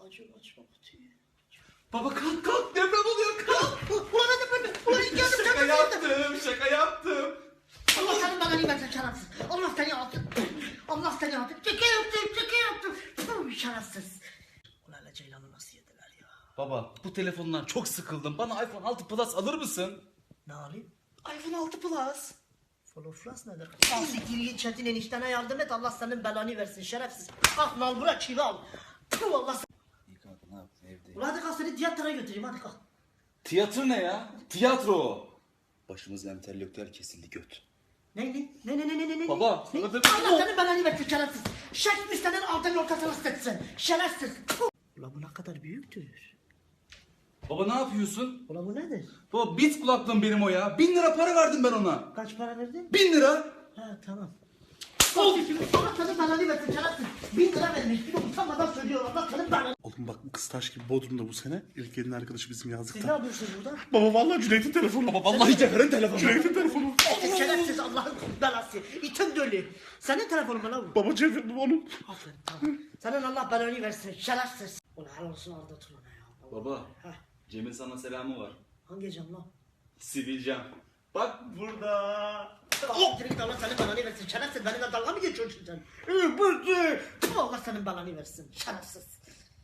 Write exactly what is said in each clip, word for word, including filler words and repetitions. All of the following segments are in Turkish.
Acı açma kutuyu. Baba kalk kalk, deprem oluyor, kalk. Ulan hadi böyle. Ulan ilk yardım Şaka yaptım, şaka yaptım. Allah senin bana nimetin şerefsiz. Allah seni yaptı. Allah seni yaptı. Çeke yaptım, çeke yaptım. Puh, şerefsiz. Ulan hele Ceylan'ı nasıl yediler ya? Baba bu telefondan çok sıkıldım. Bana iPhone altı Plus alır mısın? Ne alayım? iPhone altı Plus. Floflas nedir? Al siktir git Çetin eniştene yardım et. Allah senin belanı versin şerefsiz. Kalk nal bırak çivi al. Puh, Allah sen... İyi kanka, ne yaptın evde? Ulan hadi kalk seni tiyatroya götüreyim hadi kalk. Tiyatro ne ya? Tiyatro o. Başımızda entelektüel kesildi göt. Ne ne ne ne ne ne ne ne? Baba, ne? sana da- Allah senin belanı versin şerefsiz. Şerefsiz senin altının ortasına sıçsın. Şerefsiz. Puh. Ulan bu ne kadar büyüktür. Baba ne yapıyorsun? Ulan bu nedir? Baba bit kulaklığım benim o ya. Bin lira para verdim ben ona. Kaç para verdin? Bin lira. Ha tamam. Allah senin belanı versin şerefsiz. Bin lira vermiş. Bir de utanmadan söylüyor. Allah senin belanı. Oğlum bak bu kız taş gibi Bodrum'da bu sene. İlk gelin arkadaşı bizim Siz ne yazlıkta. yapıyorsunuz burada? Baba vallahi Cüneyt'in telefonu. Baba vallahi Cevher'in telefonu. Cüneyt'in telefonu. Şerefsiz Allah'ın belası. İtin dölü. Senin telefonun mu lan bu? Baba Cevher bu onun. Aferin tamam. Senin Allah belanı versin şerefsiz. Ulan helal olsun Arda Turan'a ya. Baba Heh. Cem'in sana selamı var. Hangi cam lan? Sivilcem. Bak burada. Oh! Direkt Allah senin belanı versin şerefsiz. Benimle dalga mı geçiyorsun sen? Ee, bıktı. Allah senin belanı versin şerefsiz.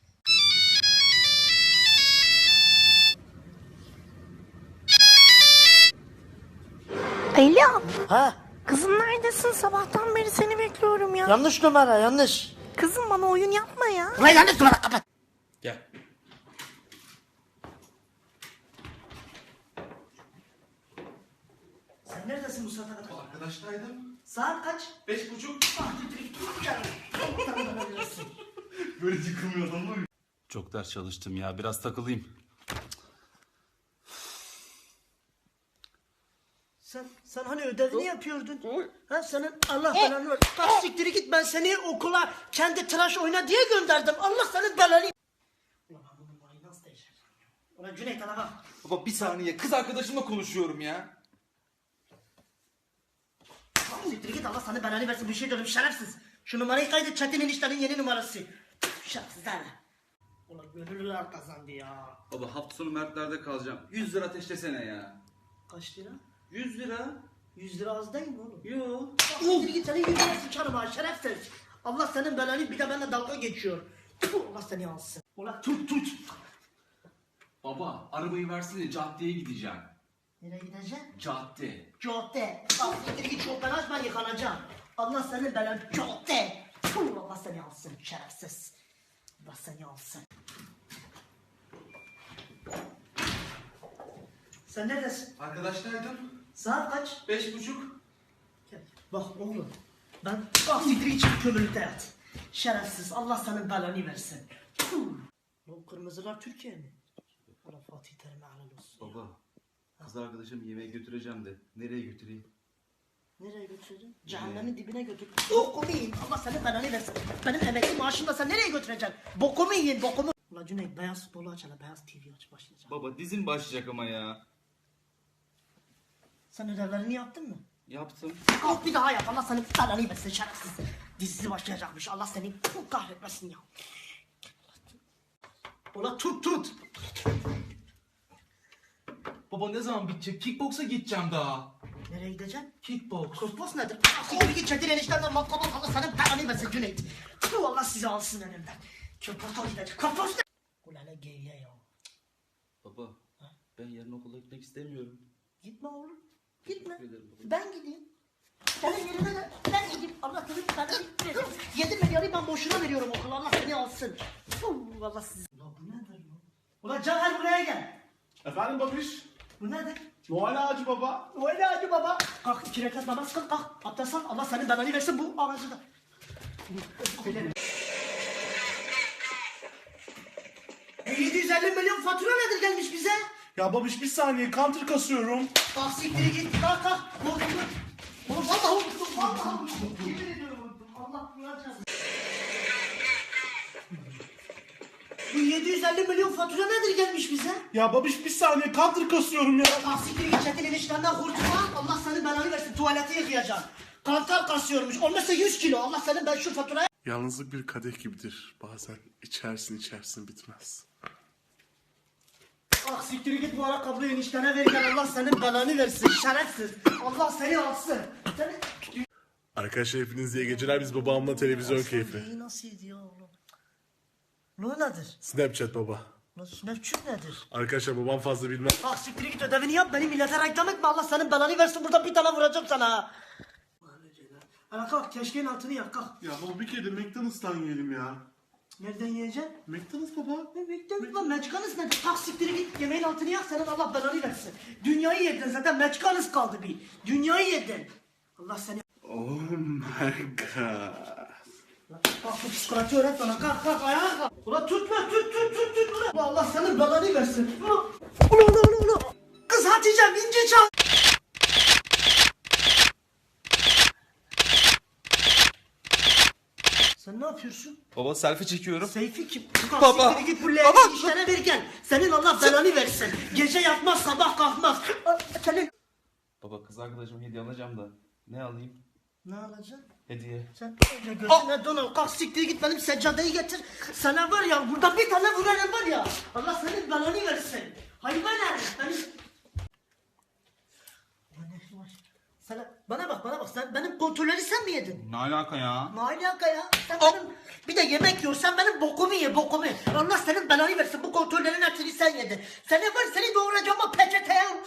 Alo, Ha? kızım neredesin? Sabahtan beri seni bekliyorum ya. Yanlış numara yanlış. Kızım bana oyun yapma ya. Ulan yanlış numara kapat. Gel. Sen neredesin bu saate kadar? Arkadaştaydım. Saat kaç? Beş buçuk. Ah direkt gel. Allah senin belanı versin. Böyle yıkılmıyor adam var. Çok ders çalıştım ya, biraz takılayım. Sen, sen hani ödevini yapıyordun. Ha senin Allah belanı ver. Kalk siktiri git ben seni okula kendi tıraş oyna diye gönderdim. Allah senin belanı. Ulan ben bu numarayı nasıl değiştireceğim ya? Ulan Cüneyt ana bak. Baba bir saniye, kız arkadaşımla konuşuyorum ya. Kalk siktiri git Allah senin belanı versin. Bir şey diyorum şerefsiz. Şu numarayı kaydet Çetin eniştenin yeni numarası. Şerefsiz ha. Ulan gönüllüler kazandı ya. Baba hafta sonu Mertler'de kalacağım. Yüz lira ateşlesene ya. Kaç lira? Yüz lira? Yüz lira az değil mi oğlum? Yo. Kalk siktiri git senin yüz lira sıçarım ha şerefsiz. Allah senin belanı bir de benimle dalga geçiyor. Tüh, Allah seni alsın. Ulan tut tut. Baba arabayı versene, caddeye gideceğim. Nereye gideceksin? Cadde. Cadde. Bak siktir git çok ben açma yıkanacağım. Allah senin belanı cadde. Puh, Allah seni alsın şerefsiz. Allah seni alsın. Sen neredesin? Arkadaştaydım. Saat kaç? Beş buçuk. Gel. Bak oğlum. Ben bak siktir git çık kömürlükte yat. Şerefsiz Allah senin belanı versin. Puh. Bu kırmızılar Türkiye mi? Allah Fatih Terim'e helal olsun. Baba kız arkadaşım yemeğe götüreceğim de nereye götüreyim? Nereye götüreceksin? Cehennemin dibine götür. Bokumu yiyin. Allah senin belanı versin. Benim emekli maaşımda sen nereye götüreceksin? Bokumu yiyin bokumu. Ulan Cüneyt beyaz futbolu aç hele. Beyaz T V aç başlayacak. Baba dizin başlayacak ama ya. Sen ödevlerini yaptın mı? Yaptım. Kalk bir daha yap. Allah senin belanı versin şerefsiz. Dizisi başlayacakmış. Allah seni kahretmesin ya. Ulan tut tut. Baba ne zaman bitecek? Kickboksa gideceğim daha. Nereye gideceksin? Kickboks. Kosmos nedir? Siktir git Çetin eniştemden matkabı Allah senin belanı versin Cüneyt. Tüh, Allah sizi alsın önümden. Köpürtol gidecek. Kosmos ne? Ulan ne geyiğe ya. Baba ben yarın okula gitmek istemiyorum. Gitme oğlum. Gitme. Teşekkür ederim baba. Ben gideyim. Senin yerine de ben gideyim. Allah senin belanı versin. Yedi milyarı ben boşuna veriyorum okula. Allah seni alsın. Puh, Allah sizi. Ulan bu nedir lan? Ulan Caner buraya gel. Efendim babiş. Bu nedir? Noel ağacı baba. Öyle hadi baba. Kalk iki rekat namaz kıl kalk. Abdest al. Allah senin belanı versin bu ağacı da. E yedi yüz elli milyon fatura nedir gelmiş bize? Ya babiş bir saniye counter kasıyorum. Kalk siktir git kalk kalk. Unuttum. Oğlum vallahi unuttum. Vallahi unuttum. Yemin ediyorum unuttum. Allah kullanacağız. Bu yedi yüz elli milyon fatura nedir gelmiş bize? Ya babiş bir saniye counter kasıyorum ya. Kalk siktir git Çetin eniştenden kurtulma. Allah senin belanı versin tuvalete yıkayacaksın. Kantar kasıyormuş. Olmazsa yüz kilo. Allah senin ben şu faturaya... Yalnızlık bir kadeh gibidir. Bazen içersin içersin bitmez. Ah siktir git bu ayakkabıyı eniştene verirken Allah senin belanı versin şerefsiz. Allah seni alsın. Seni... Arkadaşlar hepinize iyi geceler. Biz babamla televizyon keyfi. İyi nasıl ya oğlum? Ne nedir? Snapchat baba. Nasıl Snapchat nedir? Arkadaşlar babam fazla bilmez. Ah siktir git ödevini yap beni millete reklam etme Allah senin belanı versin burada bir tane vuracağım sana. Ana kalk keşkeğin altını yak kalk. Ya baba bir kere de McDonald's'tan yiyelim ya. Nereden yiyeceksin? McDonald's baba. Ne McDonald's lan McDonald's nedir? Kalk siktir git yemeğin altını yak senin Allah belanı versin. Dünyayı yedin zaten McDonald's kaldı bir. Dünyayı yedin. Allah seni... Oh my god. Kalk bu psikoloji öğret bana kalk kalk ayağa kalk. Ulan tutma tut tut tut tut ulan. Ulan Allah senin belanı versin. Ulan ulan ulan ulan. Kız Hatice'm ince çal. Sen ne yapıyorsun? Baba selfie çekiyorum. Seyfi kim? Baba. Baba. Git bu leğeni işlere ver gel. Senin Allah belanı versin. Gece yatmaz sabah kalkmaz. Senin... Baba kız arkadaşıma hediye alacağım da. Ne alayım? Ne alacaksın? Hediye. Sen öyle gözüne don al. Kalk siktir git benim seccadeyi getir. Sana var ya burada bir tane vurarım var ya. Allah senin belanı versin. Hayvan herif. Benim... Ulan ne var? Sana, bana bak bana bak sen benim kontrolleri sen mi yedin? Ne alaka ya? Ne alaka ya? Sen benim, bir de yemek yiyorsan benim bokumu ye bokumu. Allah senin belanı versin bu kontrollerin hepsini sen yedin. Seni var seni doğuracağım o peçeteye.